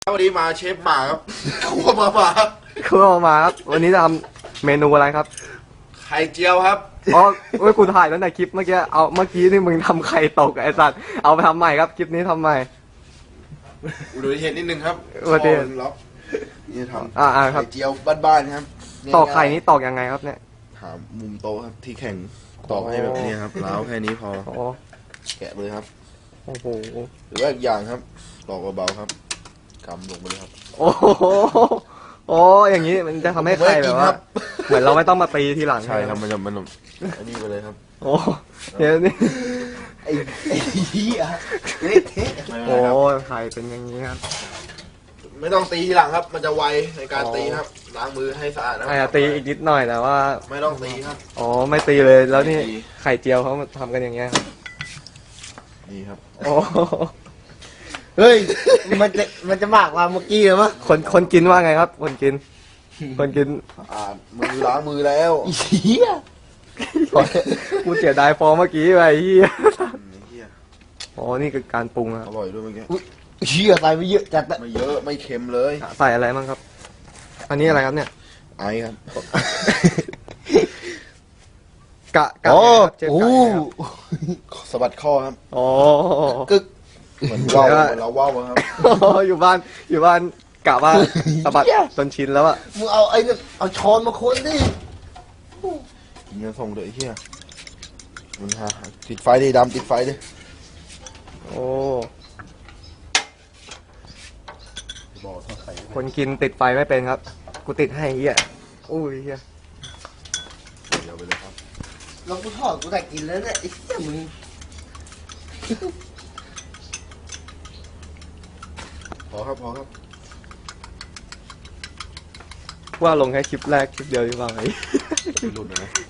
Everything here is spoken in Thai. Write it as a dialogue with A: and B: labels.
A: วันนี้มาเชฟหมาครับคั่วมาหมา
B: คือมาครับวันนี้จะทำเมนูอะไรครับ
A: ไข่เจียวครับ
B: อ๋อเว้ยกูถ่ายแล้วในคลิปเมื่อกี้เอาเมื่อกี้นี่มึงทำไข่ตกไอ้สัตว์เอาไปทำใหม่ครับคลิปนี้ทำใหม่
A: อุดมเหตุนิดนึงครับ
B: อุบัติเหตุ
A: คอมันล็อกนี่ทำ
B: ครับ
A: ไข่เจียวบ้านๆครับ
B: ตอกไข่นี้ตอกยังไงครับเนี่ย
A: หามุมโต๊ะครับที่แข็งตอกให้แบบนี้ครับล้าวแค่นี้พอ
B: โอ้
A: แกะเลยครับ
B: โอ้โห
A: หรือว่าอีกอย่างครับตอกเบาๆครับกำลงไปเลยครับ
B: โอ้โหโอ้อย่างนี้มันจะทำให้ไข่แบบว่า เหมือนเราไม่ต้องมาตีทีหลัง
A: ใช่ครับมันอันนี้ไปเลยครับ
B: โอ้เดี๋ยวนี่
A: ไอ้เหี้ยเละเทะ
B: โอ้ไข่เป็นอย่างนี้ครับ
A: ไม่ต้องตีทีหลังครับ มันจะไวในการตีครับล้างมือให้สะอาดนะ
B: อาจจะตีอีกนิดหน่อยแต่ว่า
A: ไม่ต้องตีครับ
B: อ๋อไม่ตีเลยแล้วนี่
A: ไม่ตี
B: ไข่เจียวเขามาทำกันอย่างเงี้ยครับ
A: นี่ครับ
B: โอ้
C: เฮ้ย มันจะมากกว่าเมื่อกี้เหรอมะ
B: คนกินว่าไงครับ คนกิน คนกิน
A: มือล้างมือแล้ว
C: เฮีย
B: กูเสียดายฟองเมื่อกี้ไปเฮีย
A: เหี้ย
B: อ๋อนี่คือการปรุงค
A: อ
B: รับ
A: ร่อยด้วยเมื่อกี้
C: เฮียใส่ไปเยอะจัดอะ
A: ไม่เยอะไม่เค็มเลย
B: ใส่อะไรบ้างครับ อันนี้อะไรครับเนี่ย
A: ไอครับ
B: กะ
C: โอ้
B: เชฟ
C: โห
B: กะยังไงครับ
A: สะบัดข้อครับ
B: อ๋อ
C: กึก
A: เหมือนว่าวเหมือนเราว่าวอะครับ
B: อยู่บ้านกะว่าสะบัดจนชินแล้วอะ
C: มึงเอาไอ้เนี่ยเอาช้อนมาคนดิ
A: กินเงินส่งเลยไอ้เหี้ยมันหาติดไฟดิดำติดไฟดิ
B: โอ้
A: บอกต้องใส่
B: คนกินติดไฟไม่เป็นครับ กูติดให้เฮียอุ้ยเฮีย
A: เดี๋ยวไปเลยครับ
C: เรากูทอดกูได้กินแล้วเนี่ยไอ้เหี้ยมึง
A: พอครับพอครับ
B: ว่าลงแค่คลิปแรกคลิปเดียวดีกว่าไหม
A: หลุดเลยนะ